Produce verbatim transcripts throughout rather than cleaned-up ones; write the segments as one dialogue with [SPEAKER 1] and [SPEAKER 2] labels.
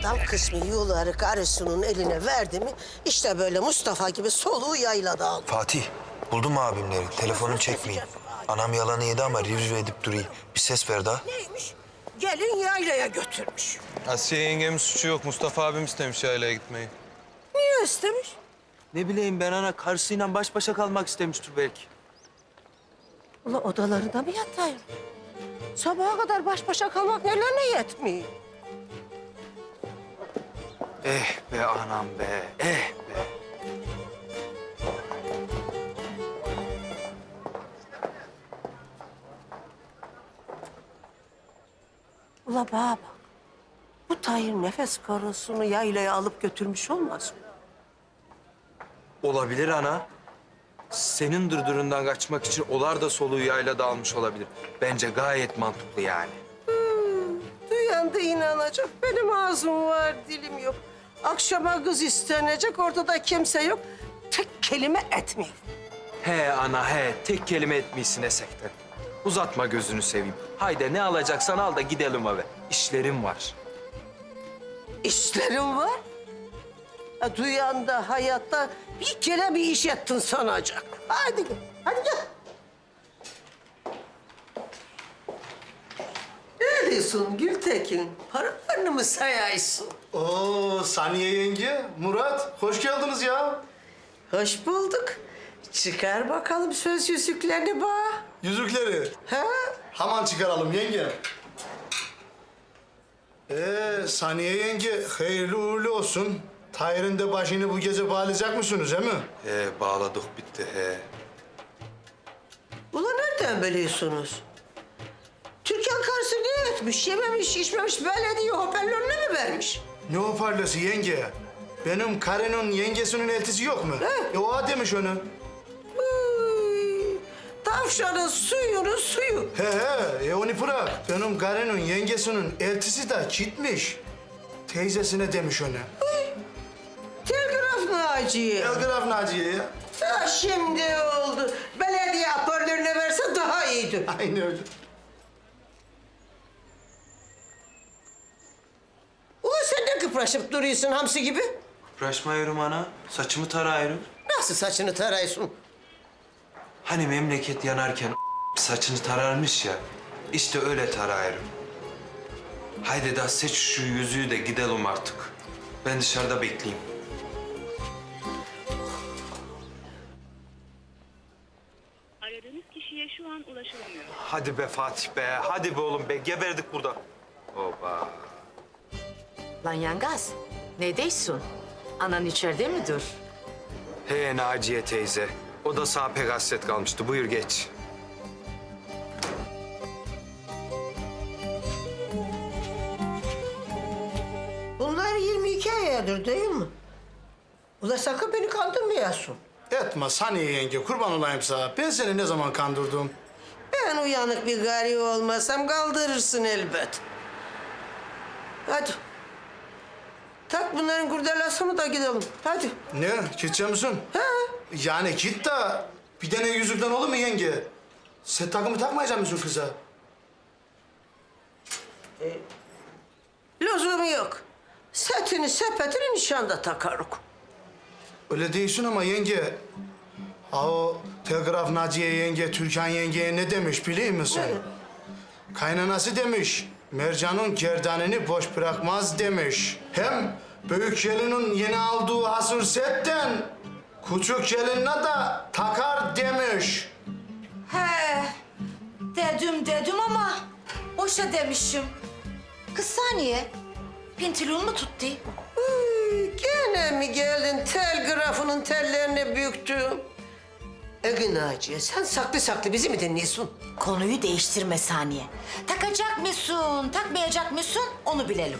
[SPEAKER 1] Adam kısmı yuları karısının eline verdi mi... işte böyle Mustafa gibi soluğu yaylada aldı.
[SPEAKER 2] Fatih, buldum mu abimleri? Telefonum çekmeyin. Anam yalanı yedi ama riv riv edip duruyor. Bir ses ver daha.
[SPEAKER 1] Neymiş? Gelin yaylaya götürmüş.
[SPEAKER 3] Asiye yengemin suçu yok. Mustafa abim istemiş yaylaya gitmeyi.
[SPEAKER 1] Niye istemiş?
[SPEAKER 4] Ne bileyim ben ana karısıyla baş başa kalmak istemiştir belki.
[SPEAKER 1] Ula odalarında mı yatayım? Sabaha kadar baş başa kalmak nelerine yetmiyor?
[SPEAKER 4] Eh be anam be, eh be.
[SPEAKER 1] Ula bana bak. Bu Tahir nefes karısını yaylaya alıp götürmüş olmaz mı?
[SPEAKER 4] Olabilir ana. Senin dırdırından kaçmak için olar da soluğu yaylada almış olabilir. Bence gayet mantıklı yani.
[SPEAKER 1] Duyan da inanacak. Benim ağzım var, dilim yok. Akşama kız istenecek, ortada kimse yok. Tek kelime etmiyor.
[SPEAKER 4] He ana he, tek kelime etmişsin esekten. Uzatma gözünü seveyim. Haydi ne alacaksan al da gidelim eve. İşlerim var.
[SPEAKER 1] İşlerim var. Ha, duyan da hayatta bir kere bir iş ettin sanacak. Hadi gel, hadi gel. Ne diyorsun Gültekin? Paralarını mı sayaysın?
[SPEAKER 5] Oo Saniye yenge, Murat, hoş geldiniz ya.
[SPEAKER 1] Hoş bulduk. Çıkar bakalım söz yüzüklerini bana.
[SPEAKER 5] Yüzükleri.
[SPEAKER 1] Ha?
[SPEAKER 5] Hemen çıkaralım yenge. Ee Saniye yenge, hayırlı uğurlu olsun. Tahir'in de başını bu gece bağlayacak mısınız, değil mi?
[SPEAKER 4] He bağladık bitti he.
[SPEAKER 1] Ulan nereden biliyorsunuz? Türkan karısı ne etmiş? Yememiş, içmemiş, böyle diye hoparlörüne mi vermiş?
[SPEAKER 5] Ne hoparlası yenge? Benim karının yengesinin eltisi yok mu?
[SPEAKER 1] He.
[SPEAKER 5] E o demiş onu.
[SPEAKER 1] Uy, tavşanın suyunu suyu.
[SPEAKER 5] He he, e onu bırak. Benim karının yengesinin eltisi de gitmiş. Teyzesine demiş onu.
[SPEAKER 1] Telgraf Naciye.
[SPEAKER 5] Telgraf Naciye ya.
[SPEAKER 1] Ha, şimdi oldu. Belediye hoparlörüne verse daha iyiydi.
[SPEAKER 5] Aynı öyle.
[SPEAKER 1] Ulan sen ne kıpraşıp duruyorsun hamsi gibi?
[SPEAKER 4] Kıpraşmıyorum ana. Saçımı tarıyorum.
[SPEAKER 1] Nasıl saçını tarıyorsun?
[SPEAKER 4] Hani memleket yanarken saçını tararmış ya. İşte öyle tarıyorum. Haydi da seç şu yüzüğü de gidelim artık. Ben dışarıda bekleyeyim.
[SPEAKER 6] Aradığınız kişiye şu an ulaşılamıyor.
[SPEAKER 4] Hadi be Fatih be. Hadi be oğlum be. Geberdik burada. Oba.
[SPEAKER 7] Lan yangaz, ne diyorsun? Anan içeride midir?
[SPEAKER 4] He Naciye teyze. O da sağ pek hasret kalmıştı. Buyur geç.
[SPEAKER 1] Bunlar yirmi iki ayadır değil mi? Ulan sakın beni kandırmayasın.
[SPEAKER 5] Etme Saniye yenge, kurban olayım sana. Ben seni ne zaman kandırdım?
[SPEAKER 1] Ben uyanık bir gari olmasam kaldırırsın elbet. Hadi. Tak bunların kurdelasını da gidelim. Hadi.
[SPEAKER 5] Ne? Gidecek misin?
[SPEAKER 1] Ha?
[SPEAKER 5] Yani git de bir tane yüzükten olur mu yenge? Sen takımı takmayacak mısın kıza?
[SPEAKER 1] Lüzumu yok. Setini sepetini nişanda takarık.
[SPEAKER 5] Öyle değilsin ama yenge. Ha o Telgraf Naciye yenge, Türkan yengeye ne demiş biliyor musun? Kaynanası demiş, Mercan'ın gerdanını boş bırakmaz demiş. Hem büyük gelinin yeni aldığı hasır setten küçük gelinine de takar demiş.
[SPEAKER 7] He, dedim dedim ama boşa demişim. Kız saniye, pintilon mu tuttu?
[SPEAKER 1] Uy, gene mi geldin telgrafının tellerini büktüm? Ege Naciye, sen saklı saklı bizi mi dinliyorsun?
[SPEAKER 7] Konuyu değiştirme saniye. Takacak mısın, takmayacak mısın onu bilelim.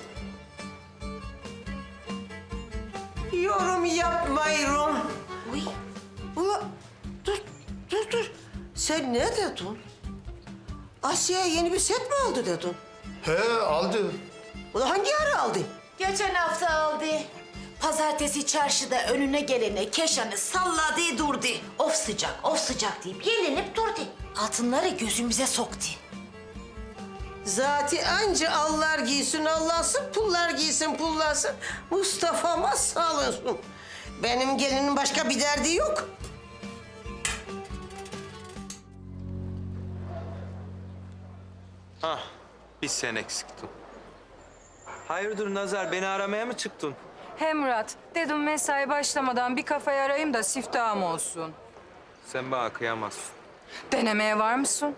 [SPEAKER 1] Yorum yapmayırım.
[SPEAKER 7] Uy,
[SPEAKER 1] Ula, dur, dur, dur. Sen ne dedin? Asya'ya yeni bir set mi aldı dedin?
[SPEAKER 5] He aldı.
[SPEAKER 1] Ula hangi ara aldı?
[SPEAKER 7] geçen hafta aldı. Pazartesi çarşıda önüne gelene keşanı salladı durdu. Of sıcak, of sıcak deyip yelinip durdu. Altınları gözümüze soktu.
[SPEAKER 1] Zati anca Allah giysin Allah'sın, pullar giysin pullarsın. Mustafa'ma sağ olsun. Benim gelinin başka bir derdi yok.
[SPEAKER 4] Hah, bir sen eksiktin. Hayırdır Nazar, beni aramaya mı çıktın?
[SPEAKER 8] He Murat, dedim mesai başlamadan bir kafayı arayayım da siftahım olsun.
[SPEAKER 4] Sen bana kıyamazsın.
[SPEAKER 8] Denemeye var mısın?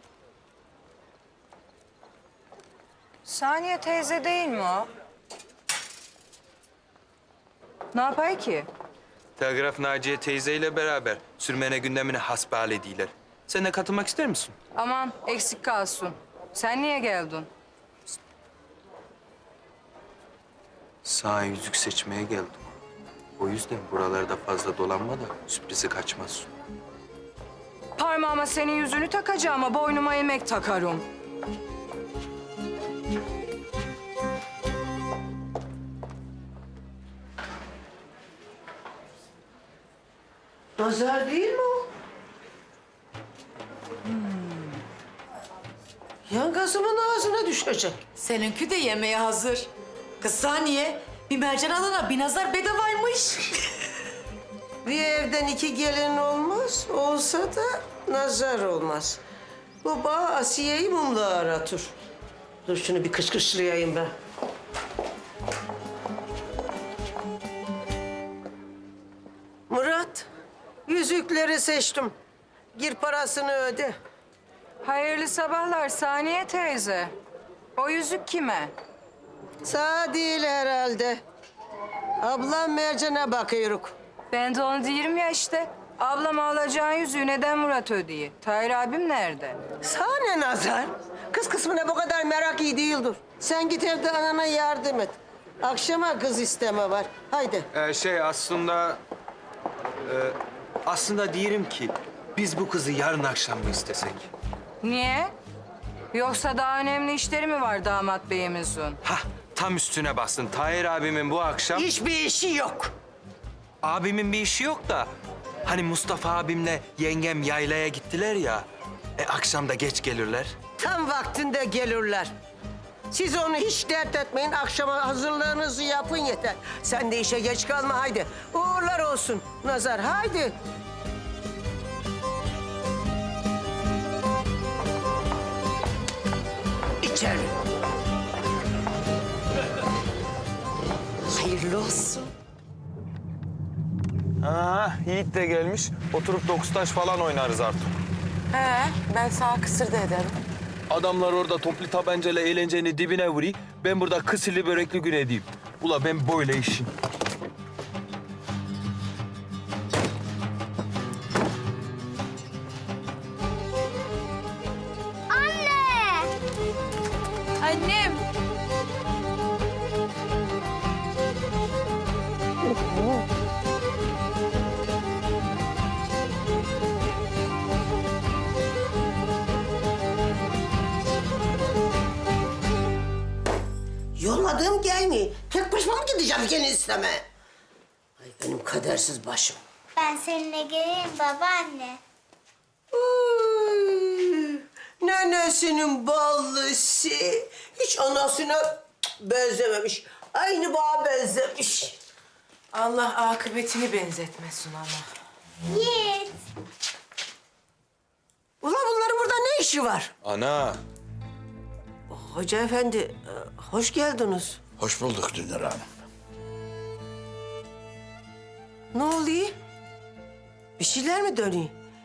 [SPEAKER 8] Saniye teyze değil mi o? Ne yapay ki?
[SPEAKER 4] Telgraf Naciye teyzeyle beraber sürmene gündemine hasbihal ediler. Sen de katılmak ister misin?
[SPEAKER 8] Aman eksik kalsın. Sen niye geldin?
[SPEAKER 4] Sana yüzük seçmeye geldim. O yüzden buralarda fazla dolanma da sürprizi kaçmaz.
[SPEAKER 8] Parmağıma senin yüzünü takacağım ama boynuma yemek takarım.
[SPEAKER 1] Nazar değil mi o? Hmm. Yangazımın ağzına düşecek.
[SPEAKER 7] Seninki de yemeğe hazır. Kız saniye, bir mercan alana bir nazar bedavaymış.
[SPEAKER 1] Bir evden iki gelin olmaz, olsa da nazar olmaz. Bu bağ Asiye'yi mumla aratır. Dur şunu bir kışkışlayayım ben. Murat, yüzükleri seçtim. Gir parasını öde.
[SPEAKER 8] Hayırlı sabahlar Saniye teyze. O yüzük kime?
[SPEAKER 1] Sağ değil herhalde. Ablam Mercan'a bakıyoruz.
[SPEAKER 8] Ben de onu diyorum ya işte. Ablama alacağın yüzüğü neden Murat ödeyi? Tahir abim nerede?
[SPEAKER 1] Sana ne nazar? Kız kısmına bu kadar merak iyi değildir. Sen git evde anana yardım et. Akşama kız isteme var. Haydi.
[SPEAKER 4] Ee, şey aslında... e, aslında diyelim ki biz bu kızı yarın akşam mı istesek?
[SPEAKER 8] Niye? Yoksa daha önemli işleri mi var damat beyimizin?
[SPEAKER 4] Hah, tam üstüne bastın. Tahir abimin bu akşam...
[SPEAKER 1] Hiçbir işi yok.
[SPEAKER 4] Abimin bir işi yok da... Hani Mustafa abimle yengem yaylaya gittiler ya... E, akşam da geç gelirler.
[SPEAKER 1] Tam vaktinde gelirler. Siz onu hiç dert etmeyin. Akşama hazırlığınızı yapın yeter. Sen de işe geç kalma haydi. Uğurlar olsun Nazar haydi. İçeri. Hayırlı olsun.
[SPEAKER 3] Ha, Yiğit de gelmiş. Oturup dokuz taş falan oynarız artık.
[SPEAKER 9] He, ben sana kısır da ederim.
[SPEAKER 3] Adamlar orada toplu tabancayla eğlencenin dibine vuruyor. Ben burada kısırlı börekli gün edeyim. Ula ben böyle işim.
[SPEAKER 8] Annem.
[SPEAKER 1] Yolladığım gelmiyor. Tek başıma mı gideceğim gene isteme? Ay benim kadersiz başım.
[SPEAKER 10] Ben seninle geleyim babaanne.
[SPEAKER 1] Uy, nenesinin ballısı. Hiç anasına benzememiş. Aynı bağa benzemiş.
[SPEAKER 9] Allah akıbetini benzetmesin ama.
[SPEAKER 10] Yiğit.
[SPEAKER 1] Ulan bunların burada ne işi var?
[SPEAKER 3] Ana.
[SPEAKER 1] Hoca efendi, e, hoş geldiniz.
[SPEAKER 11] Hoş bulduk Dünür Hanım.
[SPEAKER 1] Ne oluyor? Bir şeyler mi dönüyor?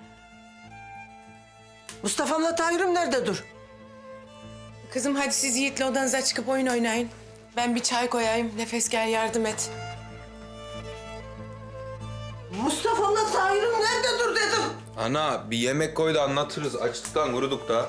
[SPEAKER 1] Mustafa'mla Tahir'im nerede dur?
[SPEAKER 9] Kızım hadi siz Yiğit'le odanıza çıkıp oyun oynayın. Ben bir çay koyayım. Nefes gel yardım et.
[SPEAKER 1] Mustafa'mla Tahir'im nerede dur dedim.
[SPEAKER 3] Ana bir yemek koy da anlatırız. Açlıktan kuruduk da.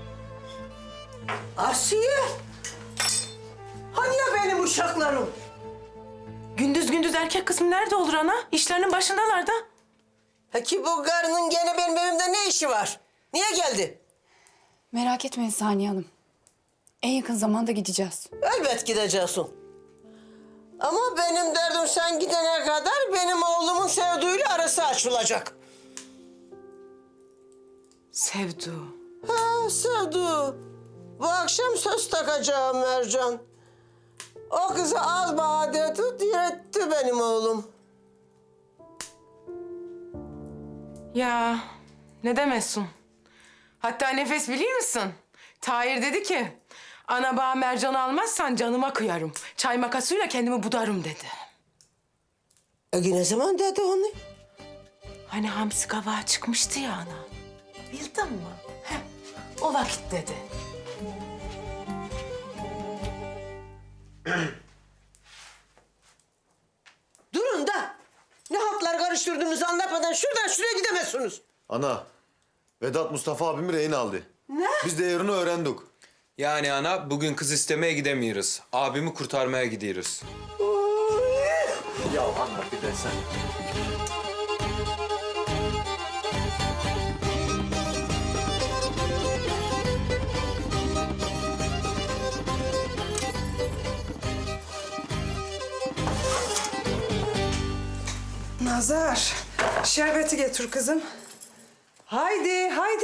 [SPEAKER 1] Asiye. Hani ya benim uşaklarım?
[SPEAKER 9] Gündüz gündüz erkek kısmı nerede olur ana? İşlerinin başındalar da.
[SPEAKER 1] Peki bu karının gene benim evimde ne işi var? Niye geldi?
[SPEAKER 12] Merak etmeyin Saniye Hanım. En yakın zamanda gideceğiz.
[SPEAKER 1] Elbet gideceksin. Ama benim derdim sen gidene kadar benim oğlumun sevduğuyla arası açılacak.
[SPEAKER 9] Sevdu.
[SPEAKER 1] Ha sevdu. Bu akşam söz takacağım Mercan. O kızı al bana dedi, diretti benim oğlum.
[SPEAKER 9] Ya ne demezsin? Hatta Nefes biliyor musun? Tahir dedi ki, ana bağ mercan almazsan canıma kıyarım. Çay makasıyla kendimi budarım dedi.
[SPEAKER 1] E ne zaman dedi onu?
[SPEAKER 9] Hani hamsi kabağı çıkmıştı ya ana. Bildin mi? Heh, o vakit dedi.
[SPEAKER 1] Durun da. Ne haltlar karıştırdığınızı anlatmadan şuradan şuraya gidemezsiniz.
[SPEAKER 11] Ana, Vedat Mustafa abimi rehin aldı.
[SPEAKER 1] Ne?
[SPEAKER 11] Biz de yerini öğrendik.
[SPEAKER 4] Yani ana bugün kız istemeye gidemiyoruz. Abimi kurtarmaya gidiyoruz.
[SPEAKER 11] Ya anla bir de sen.
[SPEAKER 8] Nazar, şerbeti getir kızım. Haydi, haydi.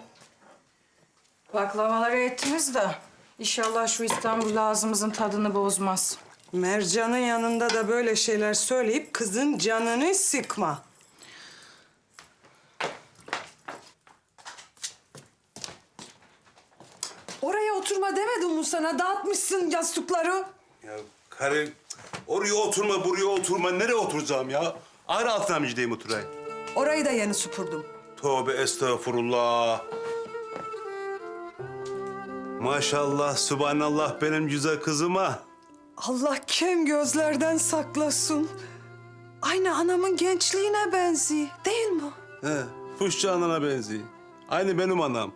[SPEAKER 8] Baklavaları ettiniz de inşallah şu İstanbul ağzımızın tadını bozmaz.
[SPEAKER 13] Mercan'ın yanında da böyle şeyler söyleyip kızın canını sıkma. Oraya oturma demedim mi sana? Dağıtmışsın yastıkları.
[SPEAKER 14] Ya karı oraya oturma, buraya oturma. Nereye oturacağım ya? Ağrı altına mı gideyim oturayım?
[SPEAKER 13] Orayı da yeni süpürdüm.
[SPEAKER 14] Tövbe estağfurullah. Maşallah, subhanallah benim güzel kızıma.
[SPEAKER 13] Allah kem gözlerden saklasın. Aynı anamın gençliğine benziyor, değil mi?
[SPEAKER 14] He, Fuşçu anana benziyor. Aynı benim anam.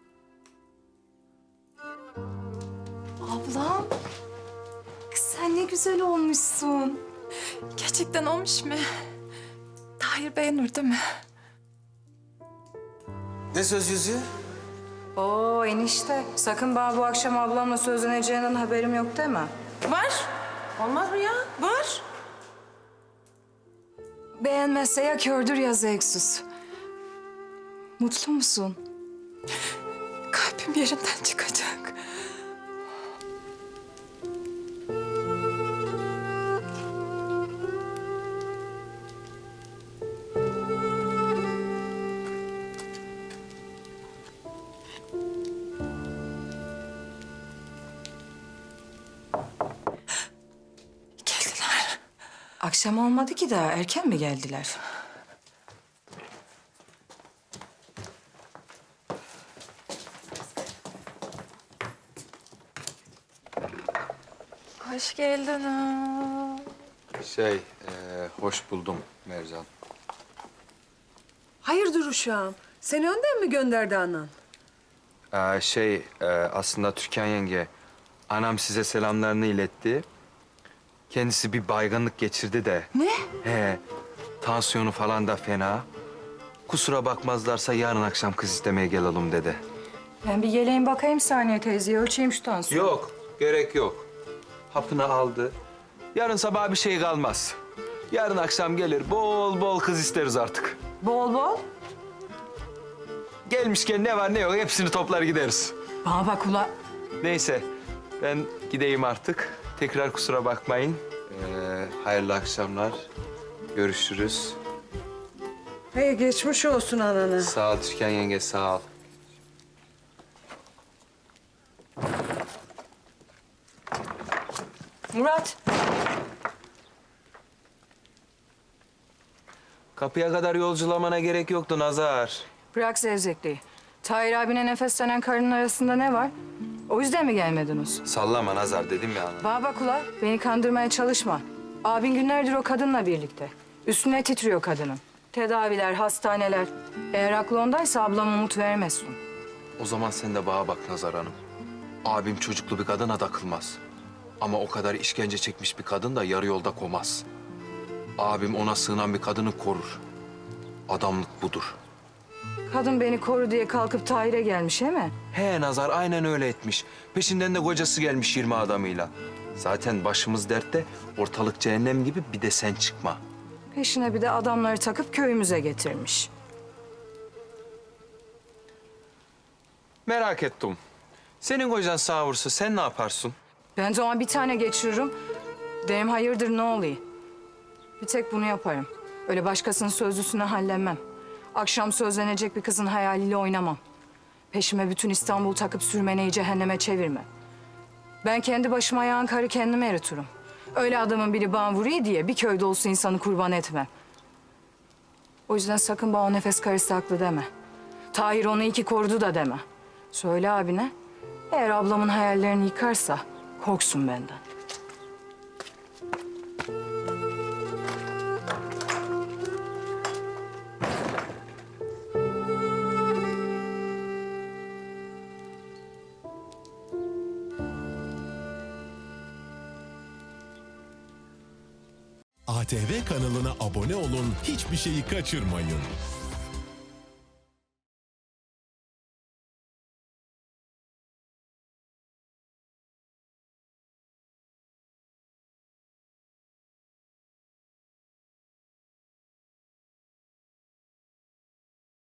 [SPEAKER 12] Ablam, kız sen ne güzel olmuşsun. Gerçekten olmuş mu? Tahir beğenir değil mi?
[SPEAKER 4] Ne söz yüzüğü?
[SPEAKER 8] Oo enişte, sakın bana bu akşam ablamla sözleneceğinden haberim yok deme.
[SPEAKER 9] Var. Olmaz mı ya? Var.
[SPEAKER 8] Beğenmezse ya kördür ya zevksiz. Mutlu musun?
[SPEAKER 12] Kalbim yerinden çıkacak. Geldiler.
[SPEAKER 8] Akşam olmadı ki daha, erken mi geldiler?
[SPEAKER 12] Hoş geldin.
[SPEAKER 4] Şey, e, hoş buldum Mercan.
[SPEAKER 13] Hayırdır uşağım? Seni önden mi gönderdi anan?
[SPEAKER 4] Ee, şey, e, aslında Türkan yenge, anam size selamlarını iletti. Kendisi bir baygınlık geçirdi de.
[SPEAKER 8] Ne?
[SPEAKER 4] He, tansiyonu falan da fena. Kusura bakmazlarsa yarın akşam kız istemeye gelelim dedi.
[SPEAKER 8] Ben bir geleyim bakayım Saniye teyzeye, ölçeyim şu tansiyonu.
[SPEAKER 4] Yok, gerek yok. Hapını aldı. Yarın sabah bir şey kalmaz. Yarın akşam gelir, bol bol kız isteriz artık.
[SPEAKER 8] Bol bol.
[SPEAKER 4] Gelmişken ne var ne yok hepsini toplar gideriz.
[SPEAKER 8] Bana bak ula.
[SPEAKER 4] Neyse, ben gideyim artık. Tekrar kusura bakmayın. Ee, hayırlı akşamlar. Görüşürüz.
[SPEAKER 13] Hey geçmiş olsun anana.
[SPEAKER 4] Sağ ol Türkan yenge, sağ ol.
[SPEAKER 8] Murat.
[SPEAKER 4] Kapıya kadar yolculamana gerek yoktu Nazar.
[SPEAKER 8] Bırak zevzekliği. Tahir abine nefeslenen karının arasında ne var? O yüzden mi gelmediniz?
[SPEAKER 4] Sallama Nazar dedim ya.
[SPEAKER 8] Bana bak ula, beni kandırmaya çalışma. Abin günlerdir o kadınla birlikte. Üstüne titriyor kadının. Tedaviler, hastaneler. Eğer aklı ondaysa ablam umut vermesin.
[SPEAKER 4] O zaman sen de bana bak Nazar Hanım. Abim çocuklu bir kadına takılmaz. Ama o kadar işkence çekmiş bir kadın da yarı yolda komaz. Abim ona sığınan bir kadını korur. Adamlık budur.
[SPEAKER 8] Kadın beni koru diye kalkıp Tahir'e gelmiş, he mi?
[SPEAKER 4] He Nazar aynen öyle etmiş. Peşinden de kocası gelmiş yirmi adamıyla. Zaten başımız dertte, ortalık cehennem gibi, bir de sen çıkma.
[SPEAKER 8] Peşine bir de adamları takıp köyümüze getirmiş.
[SPEAKER 4] Merak ettim.
[SPEAKER 3] Senin kocan sağ vursa sen ne yaparsın?
[SPEAKER 8] Ben de ona bir tane geçiririm. Derim hayırdır ne oluyor? Bir tek bunu yaparım. Öyle başkasının sözlüsüne hallenmem. Akşam sözlenecek bir kızın hayaliyle oynamam. Peşime bütün İstanbul takıp sürmeneyi cehenneme çevirme. Ben kendi başıma yağan karı kendime eritirim. Öyle adamın biri bana vuruyor diye bir köyde olsa insanı kurban etmem. O yüzden sakın bana o nefes karısı haklı deme. Tahir onu iki korudu da deme. Söyle abine, eğer ablamın hayallerini yıkarsa korksun benden.
[SPEAKER 15] A T V kanalına abone olun, hiçbir şeyi kaçırmayın.